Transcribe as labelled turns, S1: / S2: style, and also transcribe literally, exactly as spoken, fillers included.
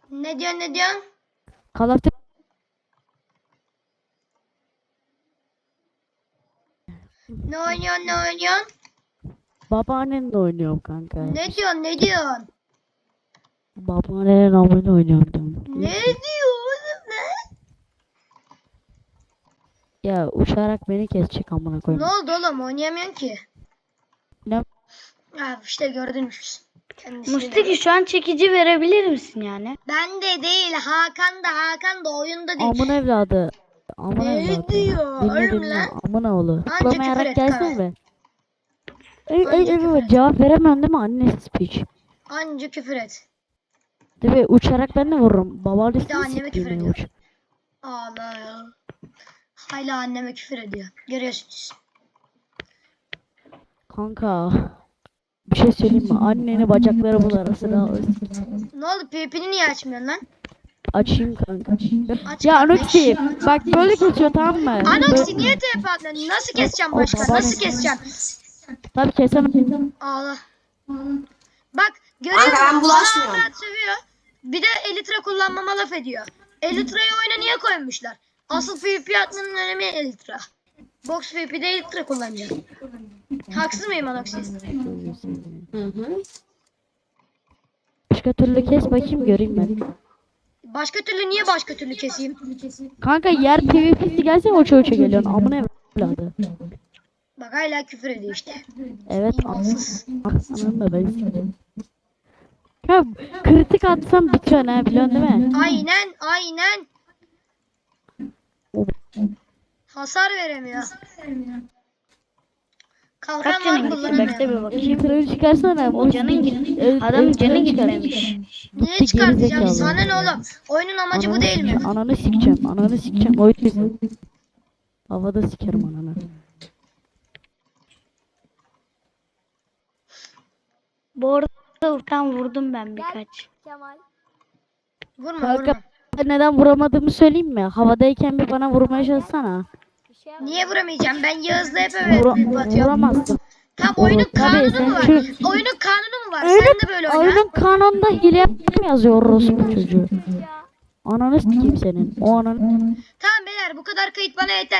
S1: Ne diyorsun ne diyorsun?
S2: Call of Duty.
S1: Ne oynuyorsun ne oynuyorsun?
S2: Babaannenle oynuyorum kanka.
S1: Ne diyorsun ne diyorsun?
S2: Babaannenin amıyla oynuyorum diyorum.
S1: Ne diyor oğlum ne?
S2: Ya uçarak beni kesecek amına
S1: Ne
S2: koyayım.
S1: oldu oğlum oynayamıyorsun ki.
S2: Ne?
S1: Ha işte gördünüz. Kendisini
S3: Mustaki şu an çekici verebilir misin yani?
S1: Ben de değil Hakan da Hakan da oyunda değil.
S2: Amın evladı. Amın
S1: Ne
S2: evladı.
S1: diyor
S2: Dinle
S1: oğlum
S2: dinle.
S1: lan?
S2: Amına oğlu.
S1: Anca
S2: Tıklamayarak
S1: küfür et
S2: gelsene
S1: Kara.
S2: be. Ey ey
S1: Anca
S2: ey
S1: küfür
S2: baba,
S1: et.
S2: cevap veremem değil mi annesi piç?
S1: Anca küfür et.
S2: Değil mi? Uçarak ben de vururum. Babaannesini
S1: Bir de anneme küfür
S2: siktiğini
S1: ediyor.
S2: uç.
S1: Allah ya. Hala anneme küfür ediyor. Görüyorsunuz.
S2: Kanka. Bir şey söyleyeyim mi? Anneni bacakları bul arasına.
S1: Ne oldu PvP'ni niye açmıyorsun lan?
S2: Açayım kanka.
S1: Aç
S2: Ya
S1: kardeş.
S2: Anoxi bak böyle kesiyor tamam mı?
S1: Anoxi niye T P atmıyorsun? Nasıl keseceğim
S2: O
S1: başka?
S2: babaanne-
S1: Nasıl keseceğim?
S2: Tabii kesemem.
S1: Allah. Bak görüyor
S4: Kanka, ben
S1: musun?
S4: bulaşmıyorum.
S1: Bana rahat sövüyor. Bir de Elytra kullanmama laf ediyor. Elytra'yı oyuna niye koymuşlar? Asıl PvP atmanın önemi Elytra. Box PvP'de Elytra kullanacağım. Haksız mıyım Anoxi?
S4: Hı hı.
S2: Başka türlü kes bakayım göreyim ben.
S1: Başka türlü niye başka türlü keseyim?
S2: Kanka yer PvP'si gelse uça uça geliyorsun. Amına evladı.
S1: Bak hala küfür ediyor işte.
S2: Evet.
S1: İmansız.
S2: Ananı da ben sikeyim. Ya kritik atsam bitiyor ne biliyorsun değil mi?
S1: Aynen aynen. Hasar veremiyor. Kalkan
S3: Kaç
S1: var
S3: canın gitti?
S1: kullanamıyor.
S3: Bekle bir bakayım.
S2: Elitre'yi çıkarsana.
S3: O canın gitti.
S2: El-
S3: Adam
S2: Elitre'yi
S3: canı
S2: çıkar.
S3: gitmemiş.
S1: Niye
S2: Gitti,
S1: çıkartacağım?
S2: gerizekalı.
S1: Sana ne oğlum? Oyunun amacı bu
S2: Ananı
S1: değil mi?
S2: sikeceğim, Ananı sikeceğim. Ananı sikeceğim. Oyun bizi. Havada sikerim ananı.
S3: Bu arada Urkan vurdum ben birkaç.
S1: Vurma
S2: Kanka
S1: vurma.
S2: neden vuramadığımı söyleyeyim mi? Havadayken bir bana vurmaya çalışsana.
S1: Niye vuramayacağım? Ben Yağız'la hep
S2: Vura,
S1: evet atıyorum.
S2: vuramazsın.
S1: Tam oyunun
S2: Tabii,
S1: kanunu
S2: sen
S1: mu var?
S2: şu-
S1: Oyunun kanunu mu var?
S2: Oyunun,
S1: Sen de böyle oyna.
S2: oyunun kanonunda hile yaptım yazıyor orospu çocuğu. Ananı sikeyim senin. O ananı.
S1: Tamam beyler bu kadar kayıt bana yeter.